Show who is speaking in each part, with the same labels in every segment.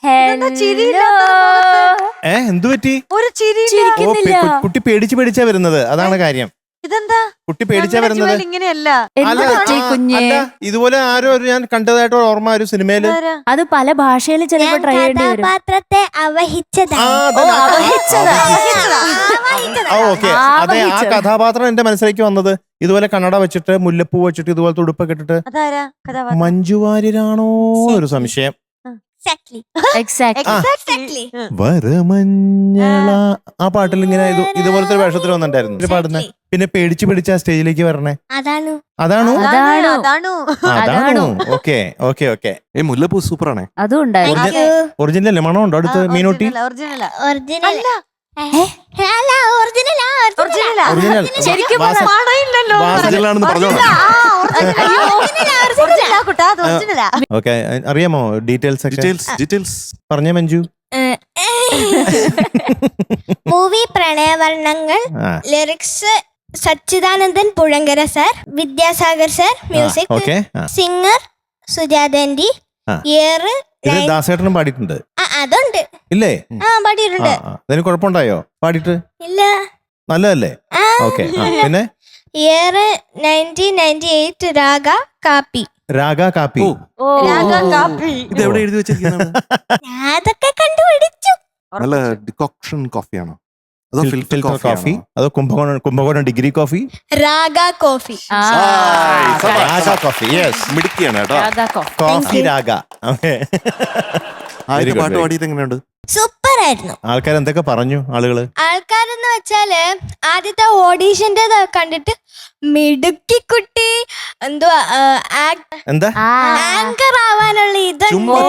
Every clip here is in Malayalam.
Speaker 1: എന്തു പറ്റി?
Speaker 2: ഒരു ചിരി
Speaker 1: കുട്ടി പേടിച്ചാ വരുന്നത്, അതാണ് കാര്യം.
Speaker 2: ഇതെന്താ
Speaker 1: കുട്ടി പേടിച്ചാ വരുന്നത്?
Speaker 2: ഇങ്ങനെയല്ല.
Speaker 1: അല്ല, ഇതുപോലെ ആരോ ഞാൻ കണ്ടതായിട്ട് ഓർമ്മ ഒരു സിനിമയില്.
Speaker 3: അത് പല ഭാഷയിൽ ചിലപ്പോ ട്രൈ ചെയ്യേണ്ടി വരും.
Speaker 4: കഥാപാത്രത്തെ അവഹിച്ചതാ.
Speaker 1: ഓക്കെ, അതെ, ആ കഥാപാത്രം എന്റെ മനസ്സിലേക്ക് വന്നത് ഇതുപോലെ കണ്ണട വെച്ചിട്ട് മുല്ലപ്പൂ വെച്ചിട്ട് ഇതുപോലെ തുടുപ്പൊക്കെ ഇട്ടിട്ട് മഞ്ജു വാര്യരാണോ ഒരു സംശയം. വരമഞ്ഞള ആ പാട്ടിൽ ഇങ്ങനെ ഇതുപോലത്തെ ഒരു വേഷത്തിൽ വന്നിട്ടുണ്ടായിരുന്നു പാടുന്നേ. പിന്നെ പേടിച്ച് സ്റ്റേജിലേക്ക് വരണേ. അതാണോ? ഓക്കെ.
Speaker 5: മുല്ലപ്പൂ സൂപ്പറാണേ.
Speaker 3: അതും ഉണ്ടായിരുന്നു.
Speaker 1: ഒറിജിനൽ അല്ലേ? മണം ഉണ്ടോ അടുത്ത്? മീനൂട്ടി ഓക്കെ. അറിയാമോ ഡീറ്റെയിൽസ് പറഞ്ഞേ Manju.
Speaker 4: Movie Pranayavarnangal, lyrics Sachidanandan Puzhankara sir, Vidyasagar sir, music, singer സുജാതന്റി, ഇയർ
Speaker 1: ദാസേട്ടനും പാടിയിട്ടുണ്ട്.
Speaker 4: അതുണ്ട്
Speaker 1: ഇല്ലേ?
Speaker 4: പാടിയിട്ടുണ്ട്.
Speaker 1: അതിന് കുഴപ്പമുണ്ടായോ പാടിയിട്ട്?
Speaker 4: ഇല്ല,
Speaker 1: നല്ലതല്ലേ? ഓക്കെ. പിന്നെ
Speaker 4: ഇയർ 1998, രാഗ കാപ്പി.
Speaker 5: ഇത് എവിടെ എഴുതി വെച്ചിരിക്കുന്നത്?
Speaker 4: അതൊക്കെ കണ്ടുപിടിച്ചു.
Speaker 5: നല്ല ഡികോക്ഷൻ കോഫിയാണോ അതോ ഫിൽറ്റർ കോഫി
Speaker 1: അതോ Kumbakonam degree coffee?
Speaker 4: Raga coffee.
Speaker 5: മിടുക്കിയാണ് കേട്ടോ.
Speaker 1: കോഫി രാഗ.
Speaker 5: പാട്ട് പാടിയത് എങ്ങനെയുണ്ട്?
Speaker 4: സൂപ്പർ ആയിരുന്നു.
Speaker 1: ആൾക്കാർ എന്തൊക്കെ പറഞ്ഞു?
Speaker 4: ആൾക്കാരെന്ന് വെച്ചാല് ആദ്യത്തെ ഓഡീഷന്റെ കണ്ടിട്ട് മിടുക്കി കുട്ടി എന്തുവാ ആങ്കർ ആവാനുള്ള ഇത്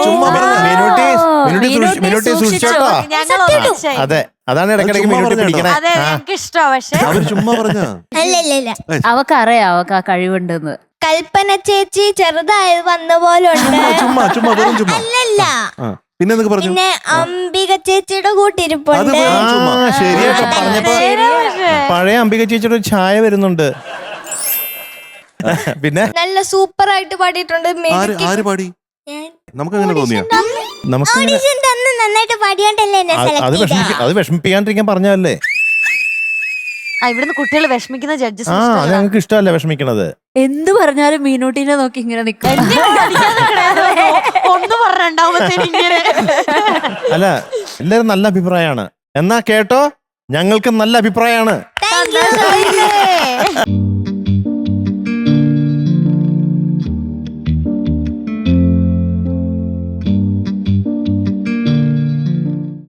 Speaker 1: അതെ, അതാണ് ഇടയ്ക്കിടയ്ക്ക്
Speaker 4: അല്ലല്ല
Speaker 3: അവക്കറിയാം അവക്ക് ആ കഴിവുണ്ടെന്ന്.
Speaker 4: കൽപ്പന ചേച്ചി ചെറുതായത് വന്ന പോലെ ഉണ്ട്. അല്ലല്ല, പിന്നെ അംബിക ചേച്ചിയുടെ കൂട്ടിരിപ്പുണ്ട്.
Speaker 1: ശരിയായിട്ട് പറഞ്ഞപ്പോ പഴയ അംബിക ചേച്ചിയുടെ ഒരു ഛായ വരുന്നുണ്ട്. പിന്നെ
Speaker 4: നല്ല സൂപ്പർ ആയിട്ട് പാടിയിട്ടുണ്ട്.
Speaker 5: നമുക്ക് അങ്ങനെ തോന്നിയോ?
Speaker 4: നന്നായിട്ട് പാടിയോണ്ടല്ലേ
Speaker 1: അത് വിഷമിപ്പിക്കാണ്ടിരിക്കാൻ പറഞ്ഞല്ലേ?
Speaker 2: ഇവിടുന്ന് കുട്ടികൾ വിഷമിക്കുന്ന ജഡ്ജസ്
Speaker 1: അത് ഞങ്ങൾക്ക് ഇഷ്ടമല്ല വിഷമിക്കണത്.
Speaker 3: എന്ത് പറഞ്ഞാലും മീനൂട്ടിനെ നോക്കി ഇങ്ങനെ നിൽക്കും.
Speaker 1: അല്ല, എല്ലാരും നല്ല അഭിപ്രായമാണ്. എന്നാ കേട്ടോ, ഞങ്ങൾക്ക് നല്ല അഭിപ്രായമാണ്.